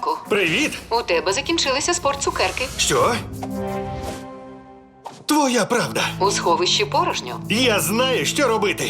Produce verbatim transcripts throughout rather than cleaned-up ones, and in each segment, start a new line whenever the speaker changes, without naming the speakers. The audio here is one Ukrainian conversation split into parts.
Синку,
Привіт!
у тебе закінчилися спортцукерки.
Що? Твоя правда.
У сховищі порожньо.
Я знаю, що робити.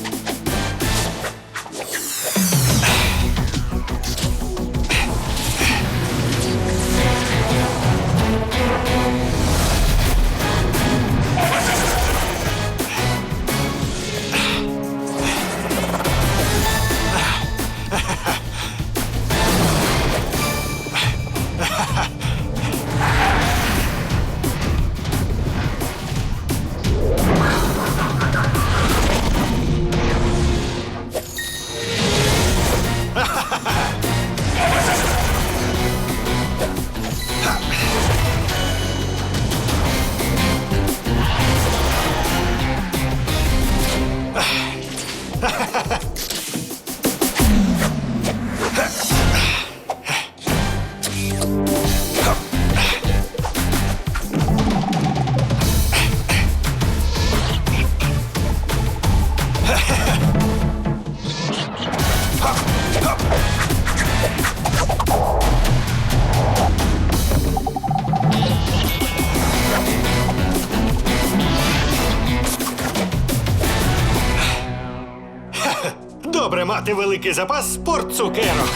Добре мати великий запас спортцукерок.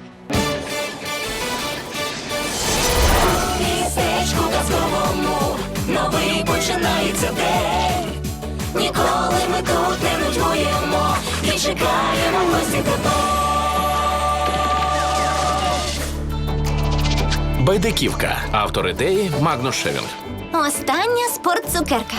Містечку казковому новий починається день. Ніколи ми тут не нудьгуємо і чекаємо гості тебе.
Байдиківка. Автор ідеї Магнус Шевінг.
Остання спортцукерка.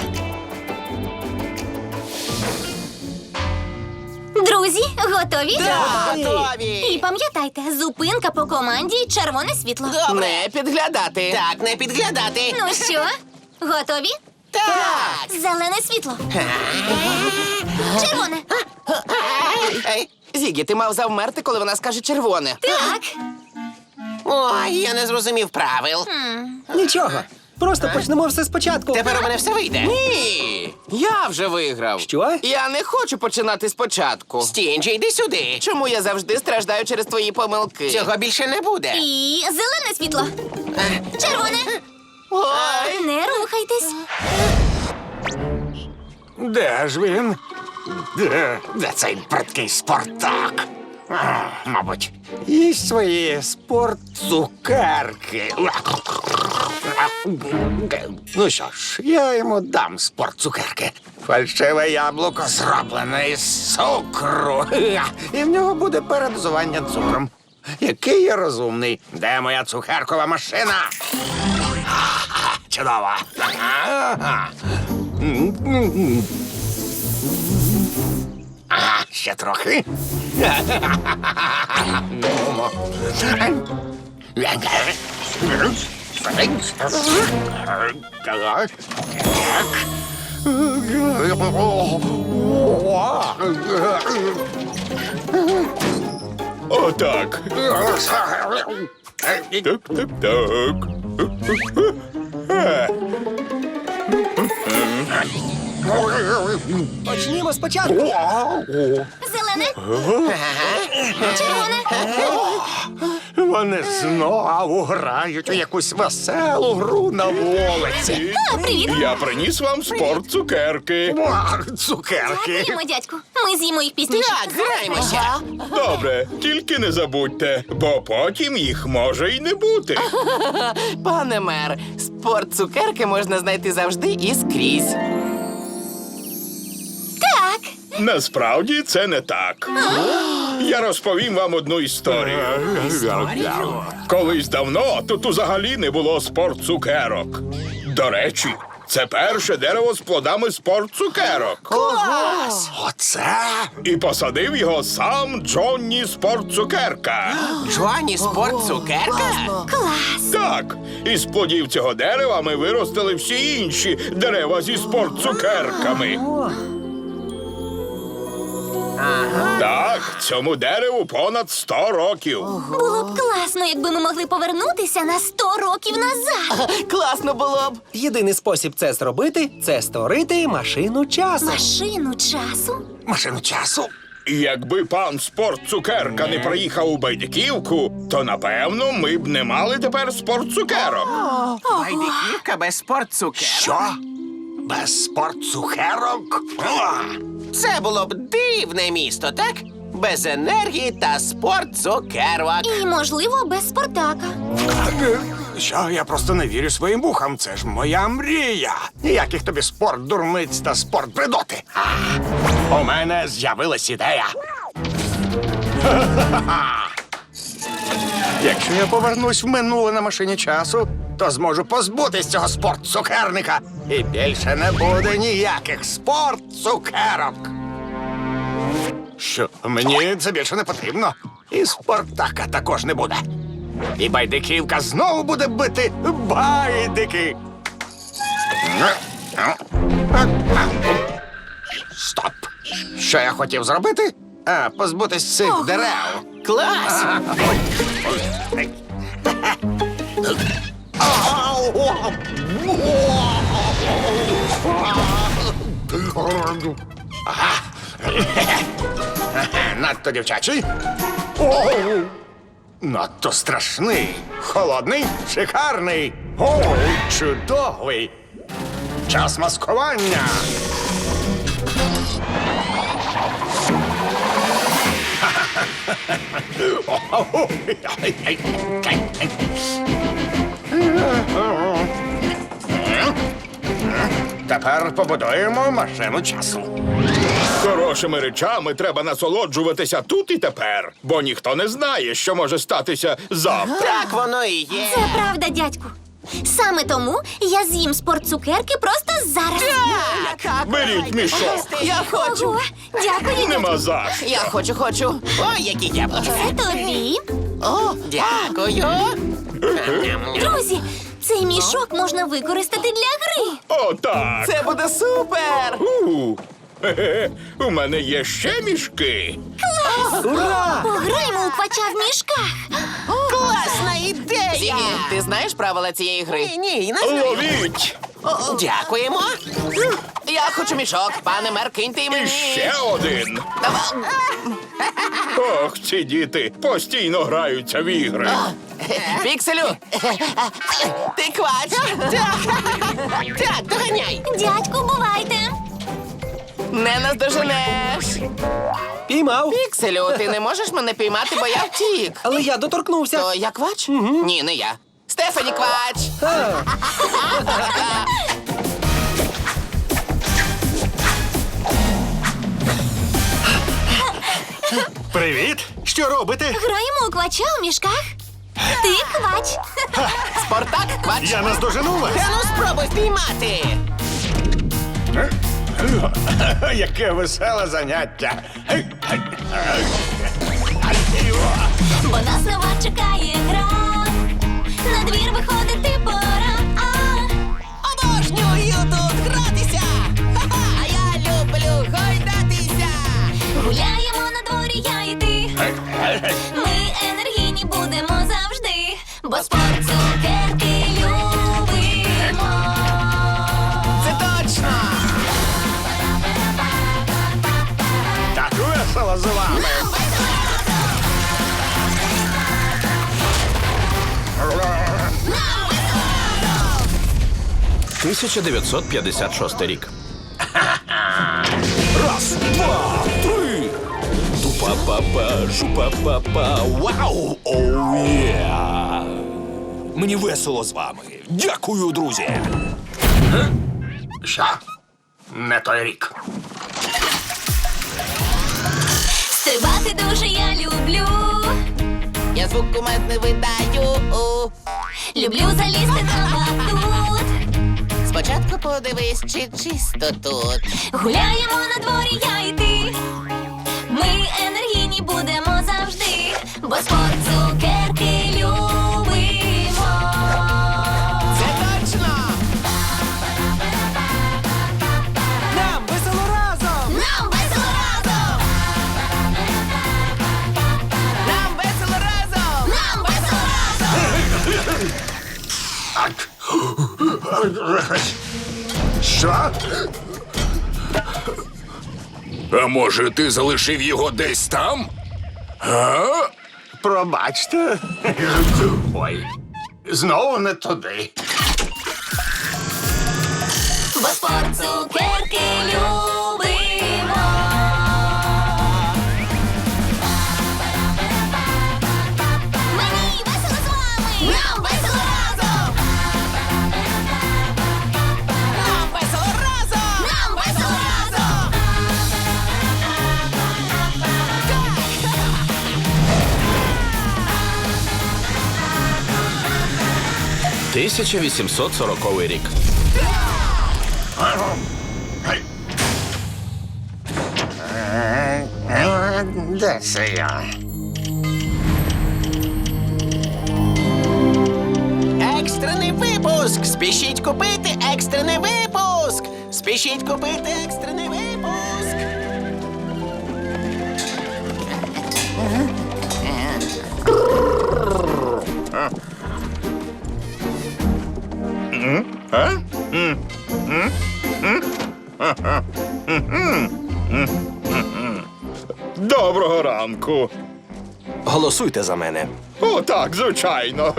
Друзі, готові?
Готові!
І пам'ятайте, зупинка по команді «Червоне світло».
Не підглядати. Так, не підглядати.
Ну що, готові?
Так.
Зелене світло. Червоне.
Ей, Зігі, ти мав завмерти, коли вона скаже червоне.
Так.
Ой, я не зрозумів правил.
Нічого. Просто почнемо все спочатку.
Тепер у мене все вийде.
Ні, я вже виграв.
Що?
Я не хочу починати спочатку.
Стінджі, йди сюди.
Чому я завжди страждаю через твої помилки?
Цього більше не буде.
І зелене світло. Червоне.
Ой!
Не рухайтесь.
Де ж він? Де?
Де цей бридкий Спартак? А, мабуть.
Їсть свої спортцукерки.
Ну що ж, я йому дам спортцукерки. Фальшиве яблуко зроблене із цукру. І в нього буде передозування цукром. Який я розумний. Де моя цукеркова машина? Ага, чудово. Ага. Ага, ще трохи. Нумо. Так.
Отак. Так, так, так.
Почнімо спочатку.
Зелене. Червоне.
Вони знову грають у якусь веселу гру на вулиці.
А, привіт.
Я приніс вам спортцукерки. Цукерки.
Дякуємо, дядьку. Ми з'їмо їх пізніше.
Так, граємося.
Добре, тільки не забудьте, бо потім їх може й не бути.
Пане мер, спортцукерки можна знайти завжди і скрізь.
Так.
Насправді це не так. Я розповім вам одну історію. Колись давно тут взагалі не було спортцукерок. До речі, це перше дерево з плодами спортцукерок.
Клас! Оце?
І посадив його сам Джонні Спортцукерка.
Джоанні спортцукерка?
Клас.
Так, із плодів цього дерева ми виростили всі інші дерева зі спортцукерками. Так, цьому дереву понад сто років.
Було б класно, якби ми могли повернутися на сто років назад.
Класно було б.
Єдиний спосіб це зробити – це створити машину часу.
Машину часу?
Машину часу?
Якби пан спортцукерка не приїхав у Байдиківку, то напевно ми б не мали тепер спортцукерок.
Байдиківка без спортцукерок.
Що? Без спортцукерок? О!
Це було б дивне місто, так? Без енергії та спортцукерок.
І, можливо, без Спартака.
Що, я просто не вірю своїм вухам. Це ж моя мрія. Ніяких тобі спорт, дурниць та спорт придоти. У мене з'явилась ідея. Якщо я повернусь в минуле на машині часу, то зможу позбутись цього спортцукерника. І більше не буде ніяких спортцукерок. Що, мені це більше не потрібно. І Спартака також не буде. І Байдиківка знову буде бити байдики. Стоп! Що я хотів зробити? А, позбутись цих дерев.
Клас!
Надто дівчачий. О, надто страшний. Холодний, шикарний. О, чудовий. Час маскування. Тепер побудуємо машину часу.
Хорошими речами треба насолоджуватися тут і тепер, бо ніхто не знає, що може статися завтра.
Так воно і є.
Це правда, дядьку. Саме тому я з'їм спортцукерки просто зараз.
Так,
Беріть мішок.
я хочу.
Ого, дякую,
Нема
дядьку.
за що.
Я хочу, хочу. Ой, які яблучка.
Це тобі.
О, дякую.
Друзі, цей мішок можна використати для гри.
О, так.
Це буде супер.
У, хе-хе, у мене є ще мішки.
Пограємо у квача в мішках.
Класна ідея. Зігі, ти знаєш правила цієї гри? Ні, ні, не знаю.
Ловіть!
Дякуємо. Я хочу мішок, пане мер, киньте й
І
мені.
ще один.
Давай.
Ох, ці діти постійно граються в ігри.
Пікселю. Ти квач. Так, доганяй.
Дядьку, бувайте.
Не наздоженеш.
Піймав.
Пікселю, ти не можеш мене піймати, бо я втік.
Але я доторкнувся.
То я квач? Ні, не я. Стефані квач.
А,
Привіт! Що робите?
Граємо у квача у мішках. Ти квач.
Спартак квач.
Я наздожену вас!
Та ну спробуй впіймати.
Яке веселе заняття.
Бо нас нова чекає гра. На двір виходити пора. А,
Обожнюю тут гратися. Ха-ха, а я люблю гойдатися.
гуляємо на дворі, я і ти. Ми енергійні будемо завжди. Бо спорт цукерки любимо.
Це точно.
Так весело з вами.
тисяча дев'ятсот п'ятдесят шостий рік.
Раз, два, три! Тупа-па-па, жупа-па-па, вау! Оу, є! Мені весело з вами. Дякую, друзі!
Що? Не той рік.
Стрибати дуже я люблю.
Я звук кумедний видаю.
Люблю залізти на батут.
Спочатку подивись, чи чисто тут.
Гуляємо на дворі, я і ти. Ми енергійні будемо завжди. Бо спорт цукерки любимо.
Це точно.
нам весело разом!
Нам весело разом!
Нам весело разом.
Нам весело разом!
Що?
А може, ти залишив його десь там? А?
Пробачте. Ой, знову не туди.
Бо спорт цукерки любимо. Мені весело з вами. Нам весело разом. Нам весело разом. Нам весело разом.
тисяча вісімсот сороковий рік.
Де це я?
Екстрений випуск! Спішіть купити екстрений випуск! Спішіть купити екстрений випуск!
Доброго ранку.
Голосуйте за мене.
О, так, звичайно.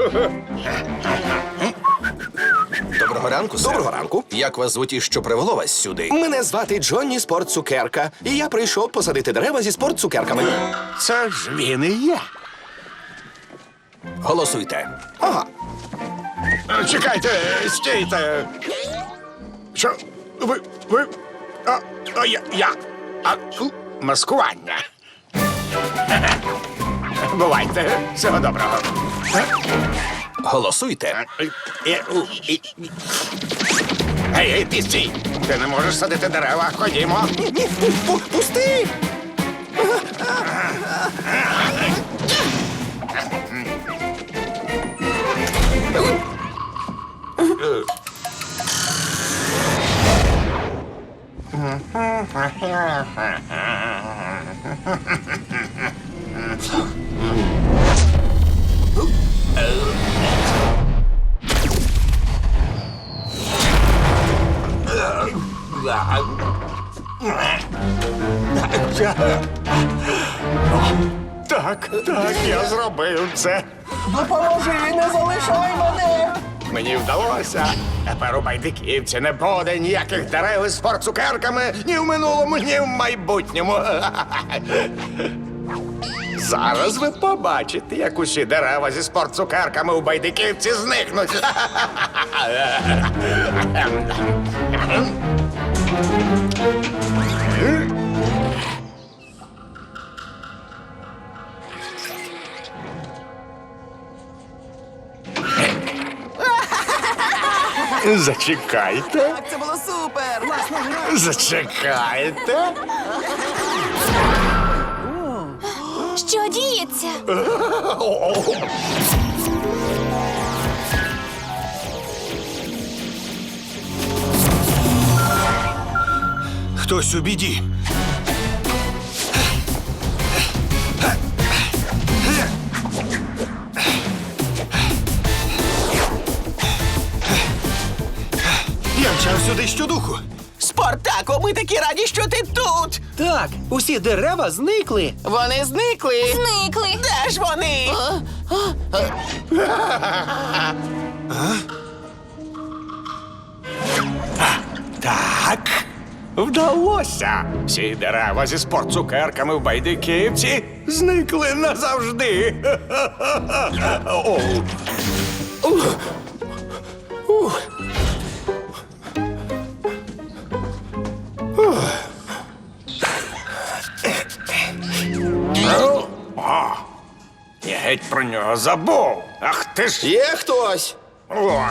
Доброго ранку, сер. Доброго ранку. Як вас звуть і що привело вас сюди? Мене звати Джонні Спорт Цукерка, і я прийшов посадити дерева зі спорт цукерками.
Це ж він і є.
Голосуйте.
Ага. Чекайте, стійте. Що? Ви. Ви. А, а я. я. А, у, маскування. Бувайте. Всього доброго.
Голосуйте.
Гей, гей, ти стій! Ти не можеш садити дерева, ходімо.
Ні, ні, пусти!
Так, так, я зробив це.
Допоможи, не залишай мене!
Мені вдалося. Тепер у байдиківці не буде ніяких дерев із спортцукерками ні в минулому, ні в майбутньому. Зараз ви побачите, як усі дерева зі спортцукерками у байдиківці зникнуть. Зачекайте.
Так, це було супер!
Зачекайте.
Що діється?
Хтось у біді. Я мчав сюди щодуху.
Спартако, ми такі раді, що ти тут!
Так, усі дерева зникли.
Вони зникли!
Зникли.
Де ж вони?
Так, вдалося. Всі дерева зі спортцукерками в байдиківці зникли назавжди. О. О, я геть про нього забув. Ах ти ж.
Є хтось?
О.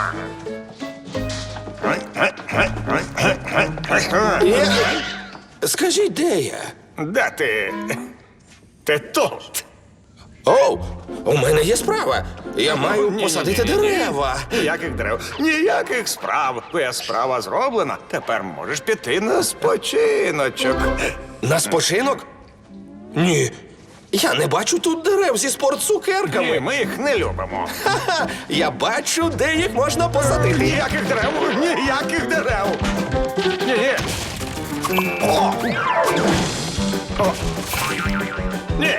Є? Скажіть, де я?
Де ти? Ти тут.
Оу, у мене є справа. Я маю
Ні,
посадити
ні, ні, ні.
дерева.
Ніяких дерев, ніяких справ. Твоя справа зроблена. Тепер можеш піти на спочиночок.
На спочинок? Ні. Я не бачу тут дерев зі
Ні,
спортцукерками.
ми їх не любимо.
Ха-ха, я бачу, де їх можна посадити.
Ніяких дерев, ніяких дерев. Ні, ні. О! Ні.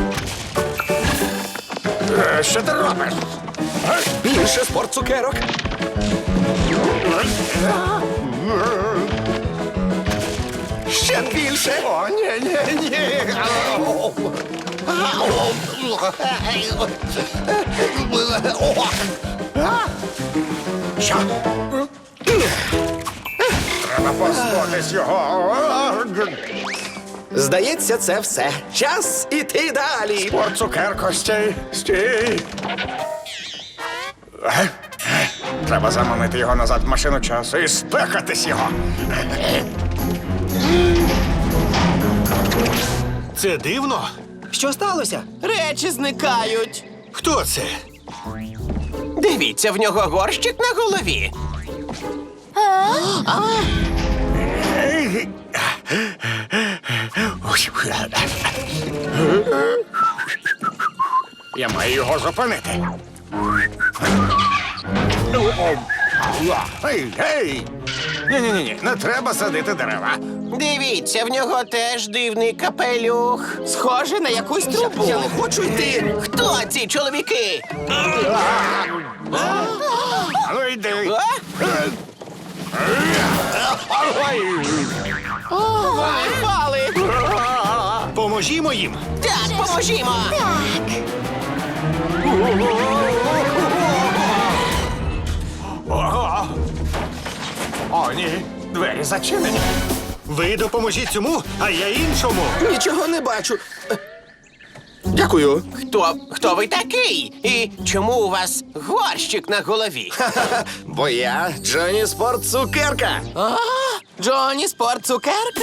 Е, Що ти робиш?
Більше спорт цукерок. Ще більше.
О, ні, ні, ні. Що? Треба позбутись його.
Здається, це все. Час іти далі.
Спорт цукерко, стій, стій. Е? Треба заманити його назад в машину часу і спекатись його.
Це дивно. Що сталося?
Речі зникають.
Хто це?
Дивіться, в нього горщик на голові.
Я маю його зупинити. Ей, гей! Ні-ні-ні, не треба садити дерева.
Дивіться, в нього теж дивний капелюх. Схоже на якусь трубу. Я не хочу йти. Хто ці чоловіки?
Ну йди.
Вони впали.
Поможімо їм.
Так, поможімо.
О, ні, двері зачинені.
Ви допоможіть цьому, а я іншому.
Нічого не бачу. Е, Дякую.
Хто, хто ви такий? І чому у вас горщик на голові?
Бо я Джонні Спорт Цукерка.
А, Джонні Спорт Цукерка?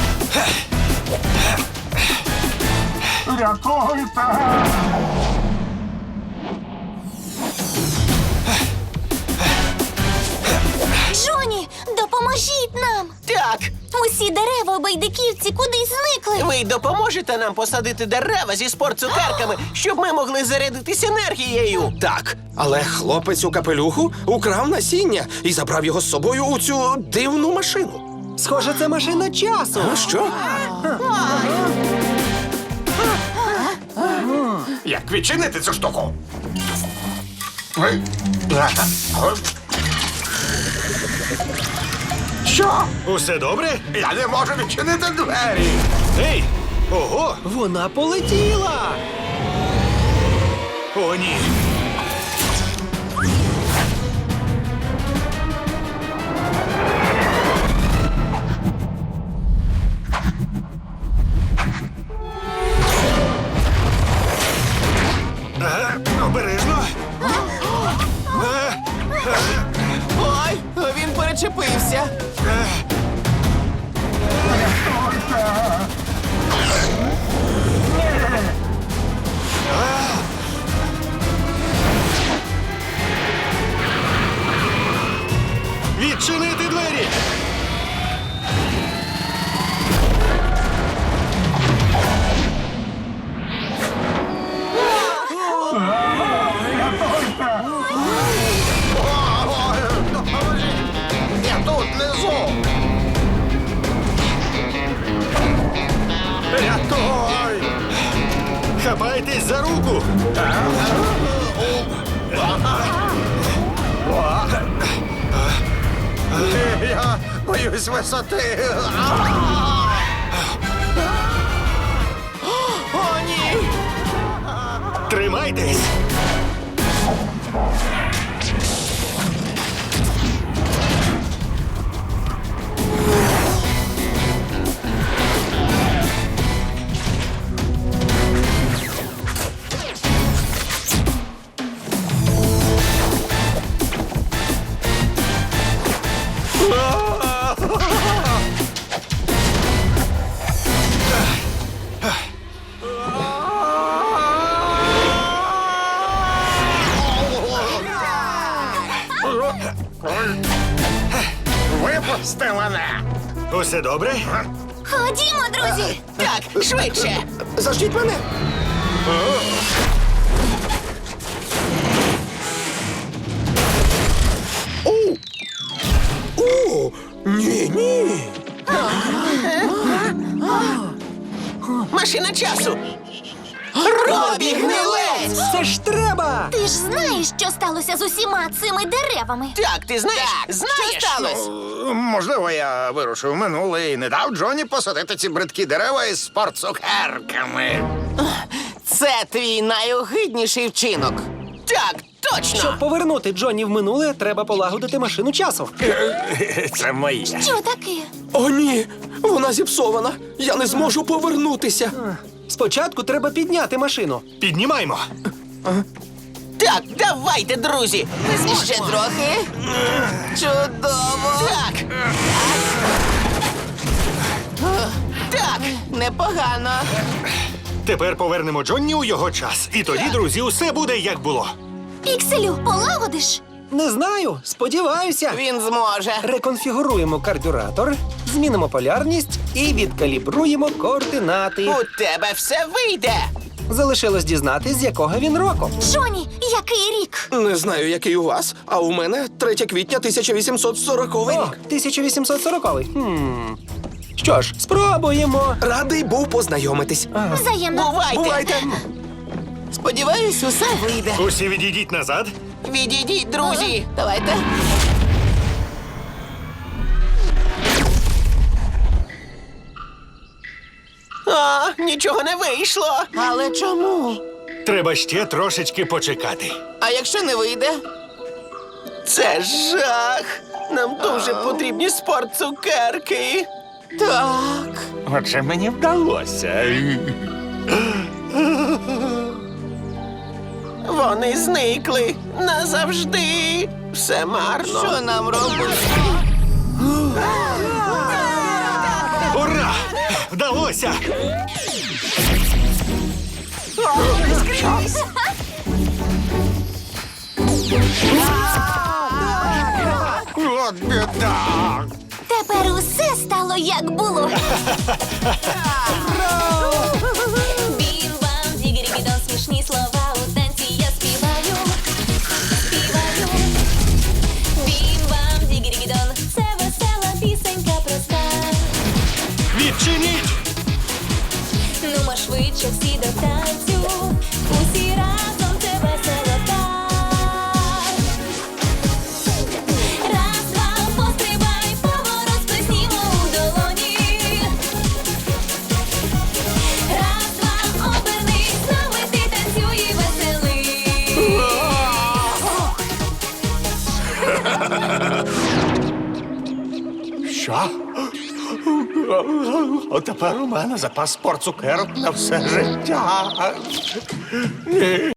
Джоні, допоможіть нам!
Так,
Усі дерева у байдиківці кудись зникли.
ви допоможете нам посадити дерева зі спортцукерками, щоб ми могли зарядитись енергією.
Так, але хлопець у капелюху украв насіння і забрав його з собою у цю дивну машину.
Схоже, це машина часу.
А що?
Як відчинити цю штуку? Що?
Усе добре?
Я не можу відчинити двері.
Ей! Ого! Вона полетіла! О, ні! Ага, обережно!
Ой, він перечепився.
Відчинити двері!
Я тут внизу. Рятуй!
Хапайтесь за руку!
Я боюсь висоти.
О, ні!
Тримайтесь!
Випусти мене.
Усе добре?
Ходімо, друзі!
Так, швидше!
Заждіть мене. О! О! Ні, ні.
Бобі Гнилець!
Це ж треба!
Ти ж знаєш, що сталося з усіма цими деревами.
Так, ти знаєш? Знаєш, що сталося?
Можливо, я вирушив в минуле і не дав Джоні посадити ці бридкі дерева із спортцукерками.
Це твій найогидніший вчинок. Так, точно!
Щоб повернути Джонні в минуле, треба полагодити машину часу.
Це моє.
Що таке?
О, ні! Вона зіпсована! Я не зможу повернутися!
Спочатку треба підняти машину.
Піднімаймо.
Так, давайте, друзі! Ще трохи. Чудово! Так! Так, непогано.
Тепер повернемо Джонні у його час. І тоді, друзі, усе буде як було.
Пікселю, полагодиш?
Не знаю, сподіваюся.
Він зможе.
Реконфігуруємо кардюратор, змінимо полярність і відкалібруємо координати.
У тебе все вийде.
Залишилось дізнатись, з якого він року.
Джоні, який рік?
Не знаю, який у вас, а у мене третє квітня тисяча вісімсот сороковий
О,
рік.
тисяча вісімсот сороковий. Хм. Що ж, спробуємо.
Радий був познайомитись.
Взаємно.
Бувайте.
Бувайте!
Сподіваюсь, усе вийде.
Усі відійдіть назад.
Відійдіть, друзі. Давайте. А, нічого не вийшло. Але чому?
Треба ще трошечки почекати.
А якщо не вийде? Це жах. Нам дуже потрібні спортцукерки. Так.
Отже, мені вдалося.
Вони зникли назавжди. Все марно. Що нам робити?
Ура! Вдалося!
От біда.
Тепер усе стало як було. Бім-бам, дігірі-бідон, смішні слова у танці я співаю. Співаю. Бім-бам, дігірі-бідон, це весела пісенька проста.
Відчиніть!
Нумо швидше всі до танцю, усі разом це весело так. Раз, два, пострибай, поворот сплеснімо у долоні. Раз, два, обернись, з нами ти танцюй і веселий.
Що? От тепер у мене запас спортцукерок на все життя.